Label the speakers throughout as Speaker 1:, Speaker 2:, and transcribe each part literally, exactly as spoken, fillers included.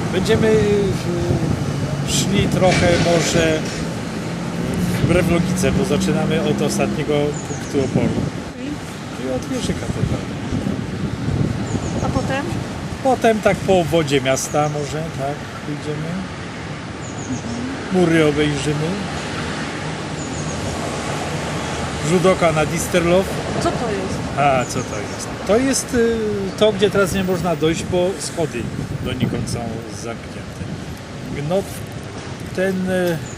Speaker 1: Będziemy szli trochę może wbrew logice, bo zaczynamy od ostatniego punktu oporu. I od wieży katedralnej.
Speaker 2: A potem?
Speaker 1: Potem tak po obwodzie miasta może, tak, pójdziemy. Mury obejrzymy. Rzut oka na Disterlof.
Speaker 2: Co to jest?
Speaker 1: A, co to jest? To jest y, to, gdzie teraz nie można dojść, bo schody donikąd są zamknięte. No, ten y,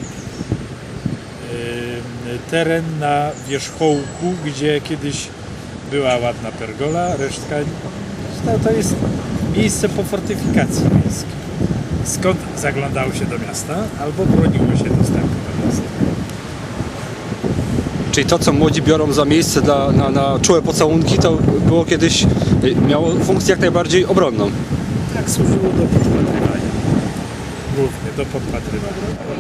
Speaker 1: y, teren na wierzchołku, gdzie kiedyś była ładna pergola, resztka to, to jest miejsce po fortyfikacji miejskiej. Skąd zaglądało się do miasta, albo broniło się dostępu do miasta.
Speaker 3: Czyli to, co młodzi biorą za miejsce dla, na, na czułe pocałunki, to było kiedyś, miało funkcję jak najbardziej obronną.
Speaker 1: Tak, służyło do podpatrywania. Głównie do podpatrywania.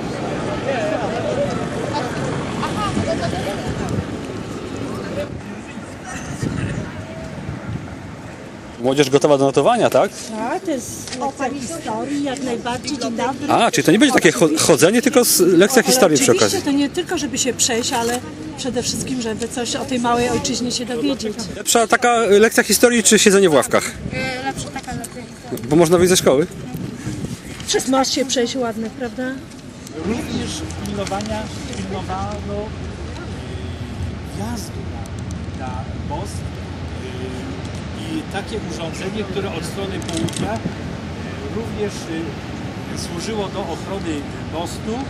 Speaker 3: Młodzież gotowa do notowania, tak?
Speaker 2: Tak, to jest lekcja historii, jak najbardziej. Dzień dobry.
Speaker 3: A, czyli to nie będzie takie cho- chodzenie, tylko s- lekcja historii przy okazji.
Speaker 2: Oczywiście to nie tylko, żeby się przejść, ale przede wszystkim, żeby coś o tej małej ojczyźnie się dowiedzieć.
Speaker 3: Lepsza taka lekcja historii, czy siedzenie w ławkach?
Speaker 4: Lepsza taka lekcja historii.
Speaker 3: Bo można wyjść ze szkoły.
Speaker 2: Masz się przejść ładne, prawda?
Speaker 1: Również pilnowania, pilnowano wjazdu na, na most yy, i takie urządzenie, które od strony południa yy, również yy, służyło do ochrony mostu.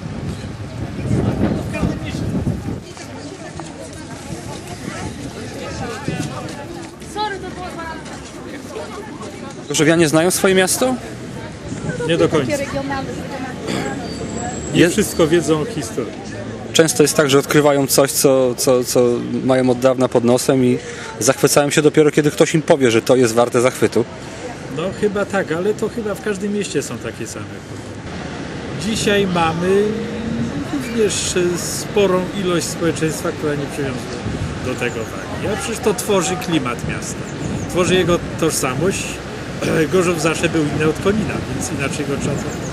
Speaker 1: W każdym mieście.
Speaker 3: Gorzowianie znają swoje miasto?
Speaker 1: Nie do końca. Nie
Speaker 3: Jest-
Speaker 1: wszystko wiedzą o historii.
Speaker 3: Często jest tak, że odkrywają coś, co, co, co mają od dawna pod nosem i zachwycają się dopiero, kiedy ktoś im powie, że to jest warte zachwytu.
Speaker 1: No chyba tak, ale to chyba w każdym mieście są takie same. Dzisiaj mamy również sporą ilość społeczeństwa, która nie przywiązuje do tego wagi. A przecież to tworzy klimat miasta, tworzy jego tożsamość. Gorzów zawsze był inny od Konina, więc inaczej go trzeba